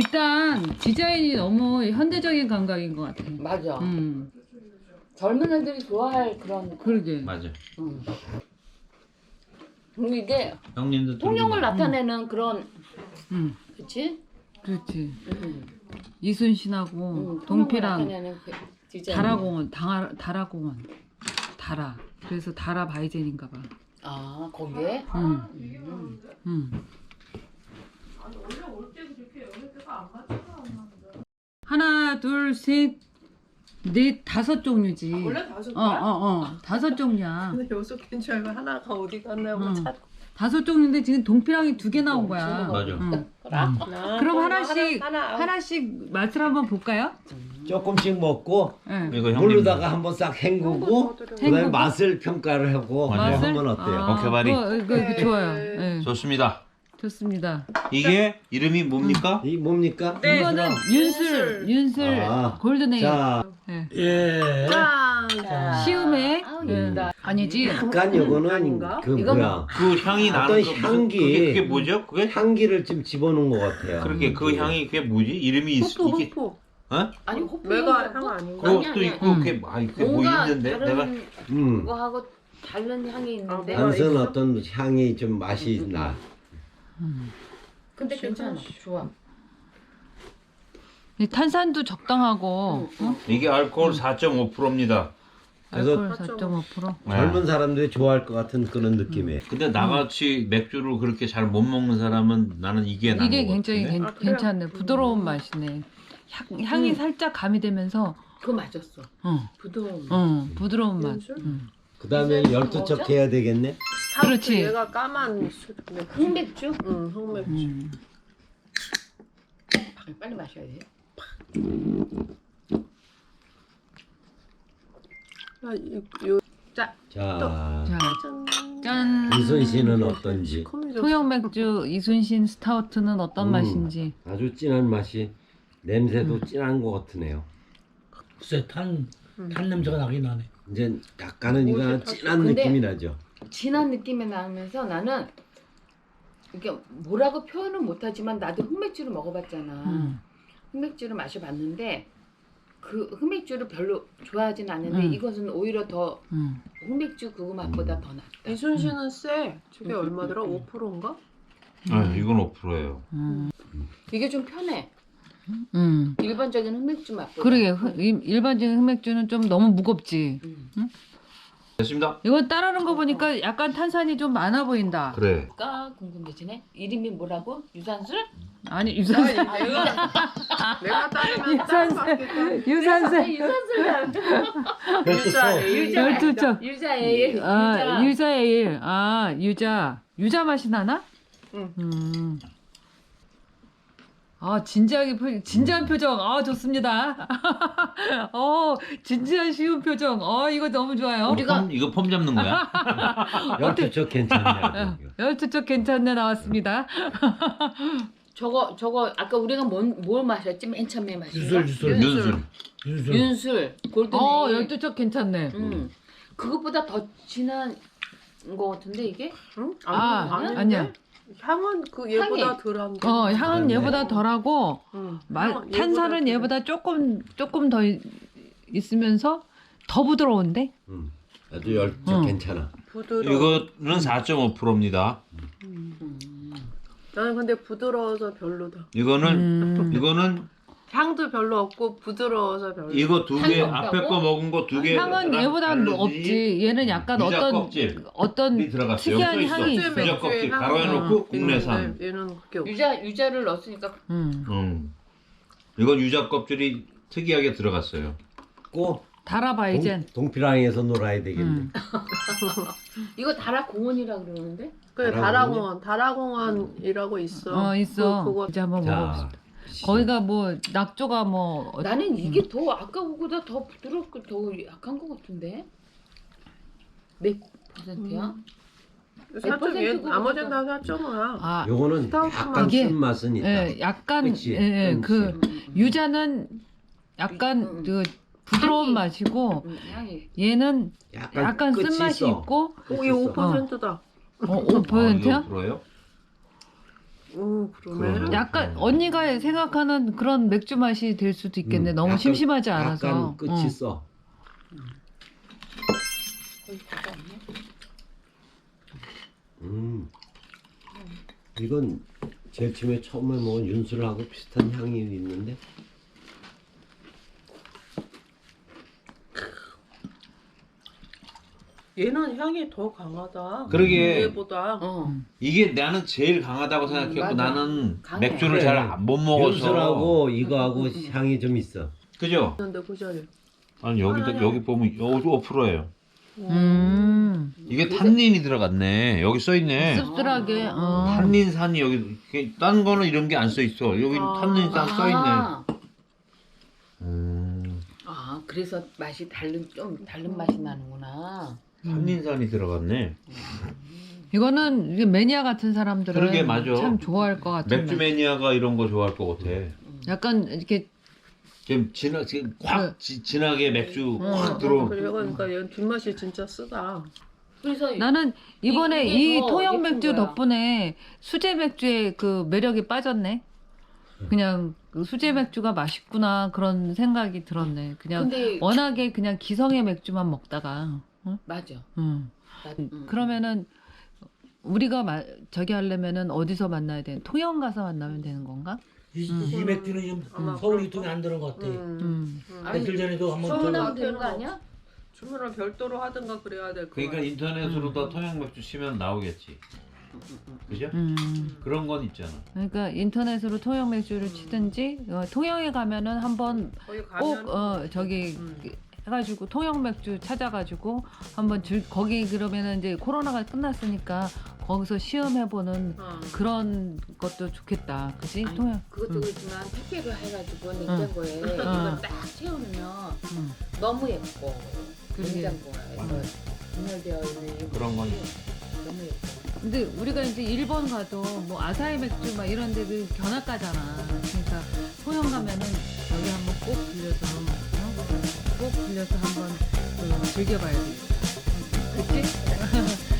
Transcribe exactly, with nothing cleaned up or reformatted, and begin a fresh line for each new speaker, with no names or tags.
일단 디자인이 너무 현대적인 감각인 것 같아.
맞아.
음,
젊은 애들이 좋아할 그런.
그러게.
맞아.
음. 그리고 이게
형님도
통영을
들고
나타내는 그런.
음,
그치?
그렇지.
음.
이순신하고
음, 통영을
동피랑
나타내는 그 디자인.
다라공원, 다, 다라공원, 다라. 그래서 다라 바이젠인가 봐.
아 거기에?
음,
음.
음. 하나, 둘, 셋, 넷, 다섯 종류지.
원래 다섯
어,
개야?
어, 어. 다섯 종류야.
근데 여섯 개인 줄 알고 하나가 어디 갔나 하고
응.
찾고.
다섯 종류인데 지금 동피랑이 두 개 나온 거야.
맞아.
응.
나,
그럼 하나씩
하나, 하나.
하나씩 맛을 한번 볼까요?
조금씩 먹고
네.
이거 형님.
물로다가 한번 싹 헹구고 그다음에
헹구고?
맛을 평가를 하고
맞아요.
맛을?
하면 어때요?
아,
오케바리.
그거, 그거, 그거 좋아요.
네.
네.
좋습니다.
좋습니다.
이게 이름이 뭡니까?
이 뭡니까?
이거는 윤슬, 윤슬
아.
골든에이.
자,
네.
예.
짠.
자.
시음에
아우,
네.
예쁘다.
아니지.
약간 요거는
아닌가?
그
이건
뭐야
그 향이
어떤
나는 거 무슨
향기.
그게, 그게 뭐죠? 그게
향기를 좀 집어넣은 것 같아요.
그렇게 그 향이 그게 뭐지? 이름이 있,
호프
이게
호프.
어?
아니 호프.
메가 향 아닌가?
아니,
그것도
아니,
있고
음.
그게 아 그게 뭐
뭔가
있는데
다른
내가
음.
그거하고 다른 향이 있는데.
아,
단순
있어?
어떤 향이 좀 맛이 나.
근데 괜찮아. 좋아.
이 탄산도 적당하고 어?
이게 알코올 사 점 오 퍼센트입니다.
그래서
알코올 사 점 오 퍼센트.
젊은 사람들이 좋아할 것 같은 그런 느낌이에요.
근데 나같이 맥주를 그렇게 잘 못 먹는 사람은 나는 이게 나은
이게
것
굉장히
같은데?
괜,
아, 그래요?
괜찮네. 부드러운 맛이네. 향, 향이
음.
살짝 가미되면서
그거 맞았어.
어,
부드러운.
어, 부드러운 맛.
윤슬?
음.
그 다음에
이제
열두
뭐죠?
척 해야 되겠네.
스타우트
그렇지.
얘가 까만 술.
흑맥주?
응, 흑맥주.
음.
빨리, 빨리 마셔야 돼.
아, 이- 요
자,
자,
자,
짠.
짠.
이순 씨는 어떤지.
시커매졌어.
통영 맥주 이순신 스타우트는 어떤
음.
맛인지.
아주 진한 맛이 냄새도
음.
진한 것 같으네요.
글쎄 탄,
음.
탄 냄새가 나긴 나네.
이제 약간은
뭐지?
이거 진한
근데-
느낌이 나죠.
진한 느낌이 나면서 나는 이게 뭐라고 표현은 못하지만 나도 흑맥주를 먹어봤잖아.
음.
흑맥주를 마셔봤는데 그 흑맥주를 별로 좋아하진 않는데
음.
이것은 오히려 더
음.
흑맥주 그거 맛보다 더 낫다.
이순신은 쎄. 저게
음,
얼마더라?
음, 음.
오 퍼센트인가?
아, 이건 오 퍼센트예요.
음.
이게 좀 편해.
음.
일반적인 흑맥주 맛보다.
그러게 흑- 일- 일반적인 흑맥주는 좀 너무 무겁지.
음.
됐습니다.
이건 따르는 거 보니까 약간 탄산이 좀 많아 보인다.
그래.
가 궁금해지네. 이름이 뭐라고? 유산술?
아니 유산슬.
아니, 내가 내가 따르면
유산슬.
따라받겠다.
유산슬.
유산술.
유자
유자.
열두 척.
유자 에일.
아
유자.
유자 에일. 아 유자. 유자 맛이 나나?
응.
음. 아 진지하게 표, 진지한 표정. 아 좋습니다. 어 진지한 쉬운 표정. 어 이거 너무 좋아요.
우리가-
폼, 이거 폼 잡는 거야?
열두 척 괜찮네요.
열두 쪽 괜찮네 나왔습니다.
저거 저거 아까 우리가 뭔, 뭘 마셨지? 맨 처음에 마신 거?
유술 유술
윤술.
유술.
윤술. 골든
어
에일.
열두 쪽 괜찮네.
음. 그것보다 더 진한 거 같은데 이게?
응?
아,
아니, 아닌데?
아니야.
향은 그 얘보다
향이.
덜한데.
어 향은
네.
얘보다 덜하고
응.
마,
향은
탄산은
덜해.
얘보다 조금 조금 더 이- 있으면서 더 부드러운데?
음, 아주 열두 척
응.
괜찮아.
부드러워.
이거는 사 점 오 퍼센트입니다.
나는 근데 부드러워서 별로다.
이거는
음.
이거는
향도 별로 없고 부드러워서 별로.
이거 두 개
향이
앞에
없다고?
거 먹은 거 두 개.
향은 얘보다 없지. 얘는 약간
유자
어떤
껍질.
어떤
이 들어갔어요.
특이한
여기 써
향이
있어.
있어.
유자 껍질 가로해놓고
어.
국내산.
얘는, 얘는 그게 없어.
유자 유자를 넣었으니까
음.
음. 이건 유자 껍질이 특이하게 들어갔어요.
꼭
다라바이젠.
동, 동피랑에서 놀아야 되겠네.
음.
이거 다라 공원이라 그러는데?
그래
다라공원?
다라공원 다라공원이라고 있어.
어 있어.
그, 그거
이제 한번
자,
먹어봅시다. 거기가 뭐 낙조가 뭐 어-
나는 이게 더 아까 그거보다 더 부드럽고 더 약한 것 같은데? 몇 퍼센트야?
살짝 얘
퍼센트고
나머지는 다 사 점 오야.
아,
요거는
스타우트만.
약간
이게-
쓴맛은 있다.
예, 약간
그치?
예, 예,
그치.
그 유자는 약간
음.
그 부드러운
향이.
맛이고
음, 향이.
얘는
약간,
약간
끝이
쓴맛이
있어.
있고
끝이
오, 얘
있어.
오 퍼센트다.
어, 오 퍼센트야?
아, 이거 불어요?
오 그러네.
그러네.
약간 언니가 생각하는 그런 맥주 맛이 될 수도 있겠네.
음,
너무
약간-
심심하지 않아서.
약간 끝이
어.
써.
거의 다 없네.
음. 이건 제일 처음에 처음에 먹은 윤술하고 비슷한 향이 있는데.
얘는 향이 더 강하다.
그러게.
얘보다.
어.
이게 나는 제일 강하다고 생각했고
맞아.
나는
강해.
맥주를
그래.
잘 못 먹어서.
윤술하고 이거하고
음, 음.
향이 좀 있어.
그죠?
근데 그 자리.
아니 여기도
아니, 아니.
여기 보면 오 퍼센트예요.
음.
이게 탄닌이 들어갔네. 여기 써 있네.
씁쓸하게. 어.
탄닌산이 여기 이게 딴 거는 이런 게 안 써 있어. 여기
아.
탄닌산 써 있네.
아,
음,
아, 그래서 맛이 다른 좀 다른 맛이 나는구나.
탄닌산이 들어갔네.
이거는 이게 매니아 같은 사람들은
그러게, 맞아.
참 좋아할 것 같은
맥주
맛.
매니아가 이런 거 좋아할 것 같아.
약간 이렇게
지금 진하 지금 확
네.
지, 진하게 맥주
음.
확 들어.
그래 그러니까 얘 뒷맛이 진짜 쓰다.
그래서
나는 이번에
이게
이
더
통영
예쁜
맥주
거야.
덕분에 수제 맥주의 그 매력이 빠졌네. 그냥 그 수제 맥주가 맛있구나 그런 생각이 들었네. 그냥
근데
워낙에 그냥 기성의 맥주만 먹다가. 응?
맞아.
응.
나, 음.
그러면은 우리가 마, 저기 하려면은 어디서 만나야 돼? 통영 가서 만나면 되는 건가?
이,
음.
이 맥주는 지금
아마
서울
그럴
유통이
거.
안 되는 것 같아.
음.
음.
음.
아니,
며칠 전에도 한번
소문하면
저
되는 거 아니야?
주문을 별도로 하든가 그래야 될 거.
그러니까 인터넷으로 다 통영 맥주 치면 나오겠지. 그죠?
음.
그런 건 있잖아.
그러니까 인터넷으로 통영 맥주를 치든지 어, 통영에 가면은 한번
거기
꼭
가면
어, 저기
음.
해가지고 통영 맥주 찾아가지고 한번 즐 거기 그러면은 이제 코로나가 끝났으니까 거기서 시음해보는
어.
그런 것도 좋겠다, 그지?
아니,
통영.
그것도
음.
그렇지만 택배로 해가지고 냉장고에 이거 딱 채워놓으면
음.
너무 예뻐.
그러게.
냉장고에 이거 분열되어 있는
그런 건
너무 예뻐.
근데 우리가 이제 일본 가도 뭐 아사히 맥주 막 이런 데그 견학가잖아. 그러니까 통영 가면은 여기 한번 꼭 들려서 어? 꼭 들려서 한번 그 즐겨봐야 돼. 그치?